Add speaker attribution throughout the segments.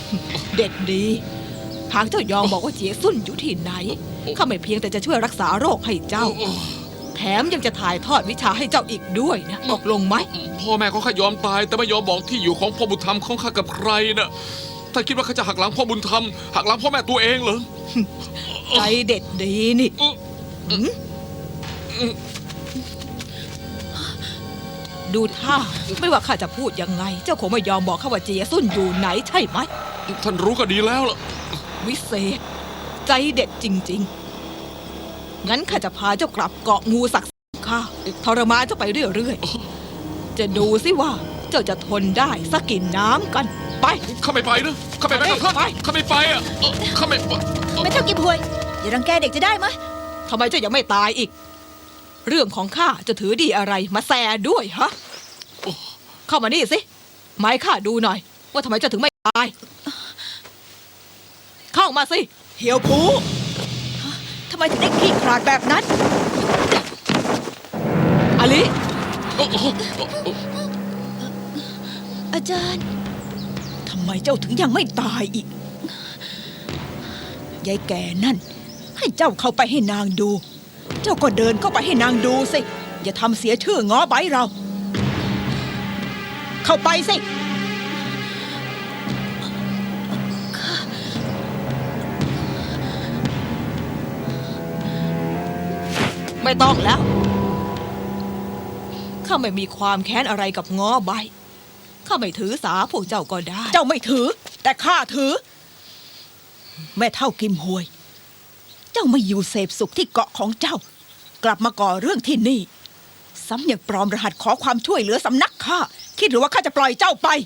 Speaker 1: เด็กดีหากเจ้ายอมบอกว่าเจียซุ่นอยู่ที่ไหนข้าไม่เพียงแต่จะช่วยรักษาโรคให้เจ้าแถมยังจะถ่ายทอดวิชาให้เจ้าอีกด้วยนะตกลงไหม
Speaker 2: พ่อแม่ของข้ายอมตายแต่ไม่ยอมบอกที่อยู่ของพ่อบุญธรรมของข้ากับใครนะถ้าคิดว่าข้าจะหักหลังพ่อบุญธรรมหักหลังพ่อแม่ตัวเองเหรอ
Speaker 1: ใจเด็ดดีนี่ดูท่าไม่ว่าข้าจะพูดยังไงเจ้าคงไม่ยอมบอกข้าว่าเจียซุ่นอยู่ไหนใช่ไหม
Speaker 2: ท่านรู้ก็ดีแล้วล่ะ
Speaker 1: วิเศษใจเด็ดจริงๆงั้นข้าจะพาเจ้ากลับเกาะงูศักดิ์สิทธิ์ข้าทรมานเจ้าไปเรื่อยๆจะดูสิว่าเจ้าจะทนได้สักกี่น้ำกันไป
Speaker 2: ข้าไม่ไปนะข้าไม่ไปกับท่านข้าไม่ไปอ่ะข้าไม่
Speaker 3: ไม่เท่ากิมฮวยอย่ารังแกเด็กจะได้ไหม
Speaker 1: ทำไมเจ้ายังไม่ตายอีกเรื่องของข้าจะถือดีอะไรมาแซด้วยฮะเข้ามานี่สิไม้ข้าดูหน่อยว่าทำไมเจ้าถึงไม่ตายเข้ามาสิเหี่ยวผู
Speaker 3: ทำไมถึงได้ขี้ขลาดแบบนั้น
Speaker 1: อลิ
Speaker 3: อาจารย์ทำไมเจ้าถึงยังไม่ตายอีกยายแก่นั่นให้เจ้าเข้าไปให้นางดูเจ้าก็เดินเข้าไปให้นางดูสิอย่าทำเสียชื่อง้อใบเราเข้าไปสิ
Speaker 1: ไม่ต้องแล้วข้าไม่มีความแค้นอะไรกับง้อใบข้าไม่ถือสาพวกเจ้าก็ได้
Speaker 3: เจ้าไม่ถือแต่ข้าถือแม่เท่ากิมฮวยเจ้าไม่อยู่เสพสุขที่เกาะของเจ้ากลับมาก่อเรื่องที่นี่ซ้ำยังปลอมรหัสขอความช่วยเหลือสำนักข้าคิดหรือว่าข้าจะปล่อยเจ้าไป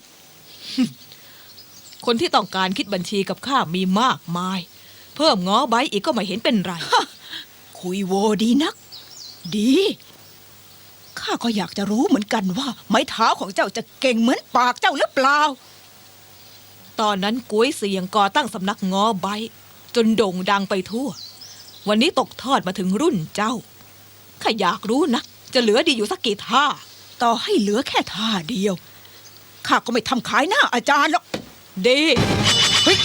Speaker 1: คนที่ต้องการคิดบัญชีกับข้ามีมากมายเพิ่มง้อใบอีกก็ไม่เห็นเป็นไร
Speaker 3: คุยโวดีนักดีข้าก็อยากจะรู้เหมือนกันว่าไม้เท้าของเจ้าจะเก่งเหมือนปากเจ้าหรือเปล่า
Speaker 1: ตอนนั้นกุ้ยเสียงก่อตั้งสำนักง้อใบจนโด่งดังไปทั่ววันนี้ตกทอดมาถึงรุ่นเจ้าข้าอยากรู้นะจะเหลือดีอยู่สักกี่ท่า
Speaker 3: ต่อให้เหลือแค่ท่าเดียวข้าก็ไม่ทำขายหน้าอาจารย์หรอก
Speaker 1: ดีเฮ้ย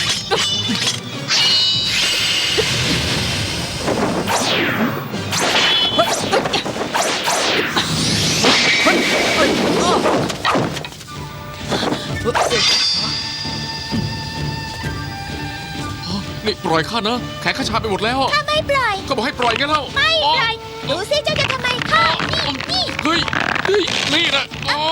Speaker 2: นี่ปล่อยข้านะแขนข้าชาไปหมดแล้ว
Speaker 4: ข้าไม่ปล่อย
Speaker 2: ก็บอกให้ปล่อยไงเล่า
Speaker 4: ไม่ปล่อยดูสิเจ้าจะทำไมข้านี่
Speaker 2: เฮ้ยนี่นะ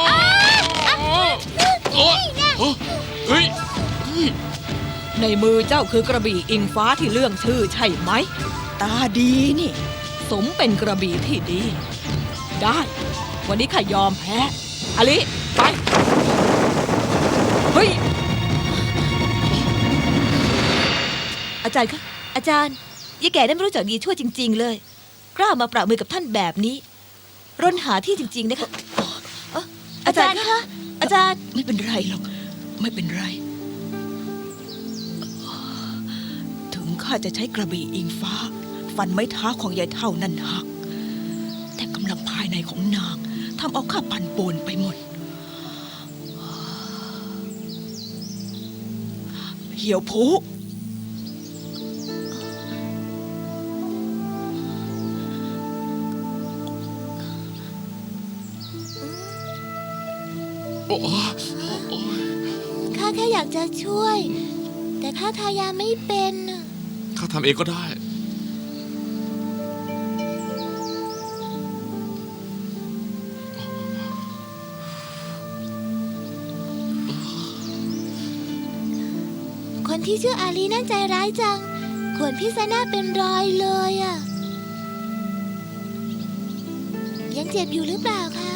Speaker 2: เฮ้ย
Speaker 1: ในมือเจ้าคือกระบี่อิงฟ้าที่เลื่องชื่อใช่ไหม
Speaker 3: ตาดีนี่
Speaker 1: สมเป็นกระบี่ที่ดีได้วันนี้ข้ายอมแพ้อลิไปเฮ้ย
Speaker 4: อาจารย์คะอาจารย์ยายแก่ได้ไม่รู้จักดีชั่วจริงๆเลยกล้ามาปราบมือกับท่านแบบนี้ร่นหาที่จริงๆนะคะอาจารย์คะอาจารย์
Speaker 3: ไม่เป็นไรหรอกไม่เป็นไรถึงข้าจะใช้กระบี่อิงฟ้าฟันไม้เท้าของยายเท่านั้นหักแต่กำลังภายในของนางทำเอาข้าปั่นป่วนไปหมดเหี่ยวผู
Speaker 4: ข้าแค่อยากจะช่วยแต่ข้าทายาไม่เป็น
Speaker 2: ข้าทำเองก็ได้
Speaker 4: คนที่ชื่ออาลีนั่นใจร้ายจังขวนพี่ซาน่าเป็นรอยเลยอ่ะยังเจ็บอยู่หรือเปล่าคะ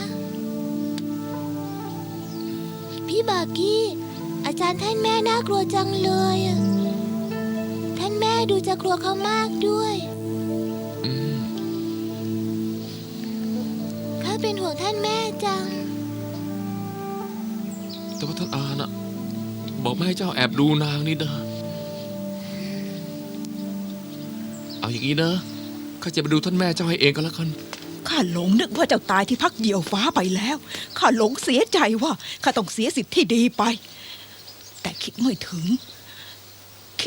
Speaker 4: พี่บากี้อาจารย์ท่านแม่น่ากลัวจังเลยท่านแม่ดูจะกลัวเขามากด้วยข้าเป็นห่วงท่านแม่จัง
Speaker 2: แต่ว่าท่านอาน่ะบอกไม่ให้เจ้าแอบดูนางนี่เด้อเอาอย่างนี้นะข้าจะไปดูท่านแม่เจ้าให้เองก็แล้วกัน
Speaker 3: ข้าหลงนึกว่าเจ้าตายที่พักเดี่ยวฟ้าไปแล้วข้าหลงเสียใจว่าข้าต้องเสียสิทธิ์ที่ดีไปแต่คิดไม่ถึง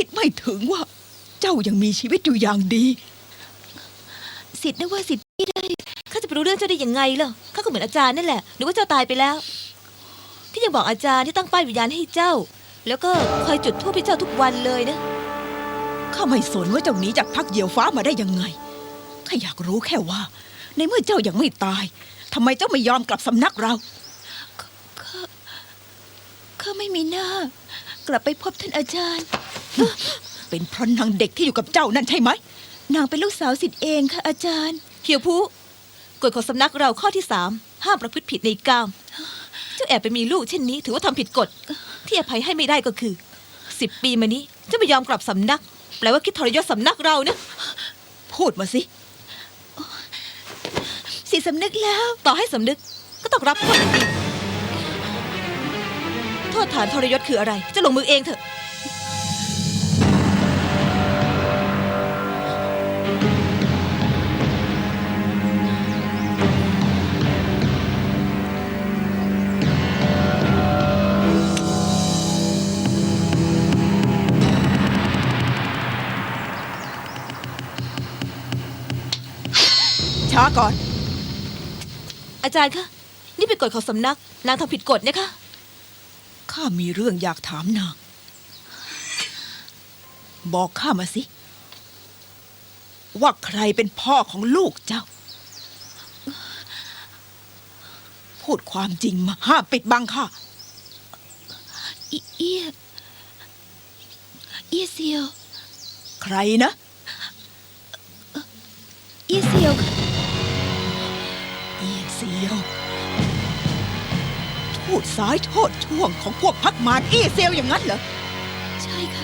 Speaker 3: ไม่ถึงว่า เจ้ายังมีชีวิตอยู่อย่างดี
Speaker 4: สิทธิ์นะว่าสิทธิ์ไม่ได้ข้าจะไปรู้เรื่องเจ้าได้ยังไงล่ะข้าก็เหมือนอาจารย์นั่นแหละนึกว่าเจ้าตายไปแล้ว ที่ยังบอกอาจารย์ที่ตั้งป้ายวิญญาณให้เจ้า แล้วก็คอยจุดธูปให้เจ้าทุกวันเลยนะ
Speaker 3: ข้าไม่สนว่าเจ้าหนีจากพักเหยี่ยวฟ้ามาได้ยังไง ข้าอยากรู้แค่ว่า ในเมื่อเจ้ายังไม่ตายทำไมเจ้าไม่ยอมกลับสำนักเรา
Speaker 4: ข้าไม่มีหน้า กลับไปพบท่านอาจารย์
Speaker 3: เป็นเพราะนางเด็กที่อยู่กับเจ้านั่นใช่ไหม
Speaker 4: นางเป็นลูกสาวสิทธิ์เองค่ะอาจารย์เขียวผู้กฎของสำนักเราข้อที่ 3 ห้ามประพฤติผิดในกาม เจ้าแอบไปมีลูกเช่นนี้ ถือว่าทำผิดกฎ ที่อภัยให้ไม่ได้ก็คือ 10 ปีมานี้เจ้าไม่ยอมกลับสำนัก แปลว่าคิดทรยศสำนักเรานะ
Speaker 3: พูดมาสิ
Speaker 4: สิสำนึกแล้ว ต่อให้สำนึกก็ต้องรับโทษอยู่ดีโทษฐานทรยศคืออะไร จะลงมือเองเถอะ
Speaker 3: ช้าก่อน
Speaker 4: อาจารย์คะนี่เป็นกฎของสำนัก นางทำผิดกฎนะคะ
Speaker 3: ข้ามีเรื่องอยากถามนาง บอกข้ามาสิ ว่าใครเป็นพ่อของลูกเจ้า พูดความจริงมาห้ามปิดบังข้า
Speaker 4: เอียเซียว
Speaker 3: ใครนะ
Speaker 4: เอียเซียวค่ะ
Speaker 3: เอียเซียวทูตซ้ายโทษช่วงของพวกพักมารเอียเซียวอย่างนั้นเหรอ
Speaker 4: ใช่ค่ะ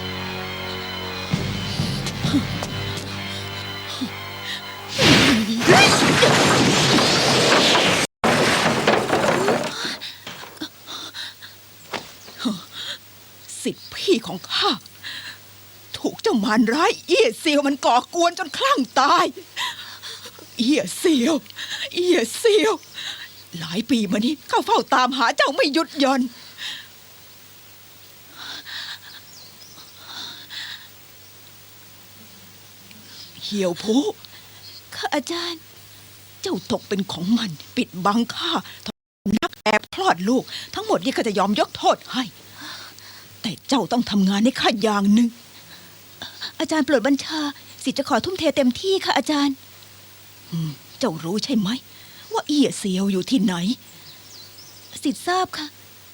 Speaker 3: สิทธิพี่ของข้า ถูกเจ้ามารร้ายเอียเซียวมันก่อกวนจนคลั่งตาย เอียเซียว เอียเซียว หลายปีมานี้ข้าเฝ้าตามหาเจ้าไม่หยุดหย่อน เหี่ยวผู้
Speaker 4: ค่ะอาจารย์
Speaker 3: เจ้าตกเป็นของมันปิดบังข้านักแอบคลอดลูก ทั้งหมดนี้ข้าจะยอมยกโทษให้ แต่เจ้าต้องทำงานให้ข้าอย่างหนึ่ง
Speaker 4: อาจารย์โปรดบัญชา สิทธิ์จะขอทุ่มเทเต็มที่ค่ะอาจารย์
Speaker 3: เจ้ารู้ใช่ไหม ว่าเอียเซียวอยู่ที่ไหน
Speaker 4: สิทธิ์ทราบค่ะ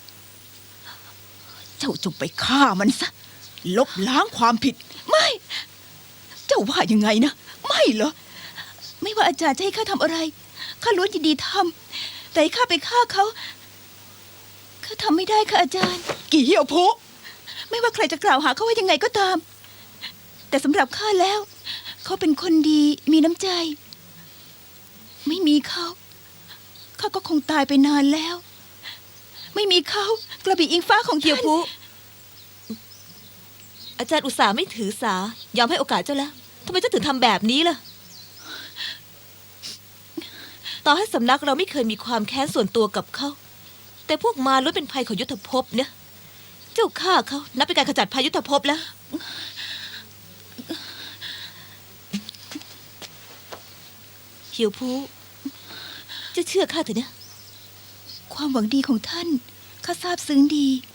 Speaker 3: เจ้าจงไปฆ่ามันซะ ลบล้างความผิด
Speaker 4: ไม่
Speaker 3: เจ้าว่ายังไงนะ ไม่เหรอ
Speaker 4: ไม่ว่าอาจารย์จะให้ข้าทำอะไร ข้าล้วนยินดีทำ แต่ให้ข้าไปฆ่าเขา ข้าทำไม่ได้ค่ะอาจารย์
Speaker 3: กี่เหี่ยวผู้
Speaker 4: ไม่ว่าใครจะกล่าวหาเขาว่ายังไงก็ตาม แต่สำหรับข้าแล้ว เขาเป็นคนดีมีน้ำใจ ไม่มีเขาข้าก็คงตายไปนานแล้ว ไม่มีเขากระบี่อิงฟ้าของเกียวพุอาจารย์อุตส่าห์ไม่ถือสายอมให้โอกาสเจ้าแล้วทำไมเจ้าถึงทำแบบนี้ล่ะ ต่อให้สำนักเราไม่เคยมีความแค้นส่วนตัวกับเขา แต่พวกมารล้วนเป็นภัยของยุทธภพเนี่ย เจ้าฆ่าเขานับเป็นการขจัดภัยยุทธภพแล้ว เหี่ยวผู้จะเชื่อข้าเถอะนะ ความหวังดีของท่านข้าซาบซึ้งดี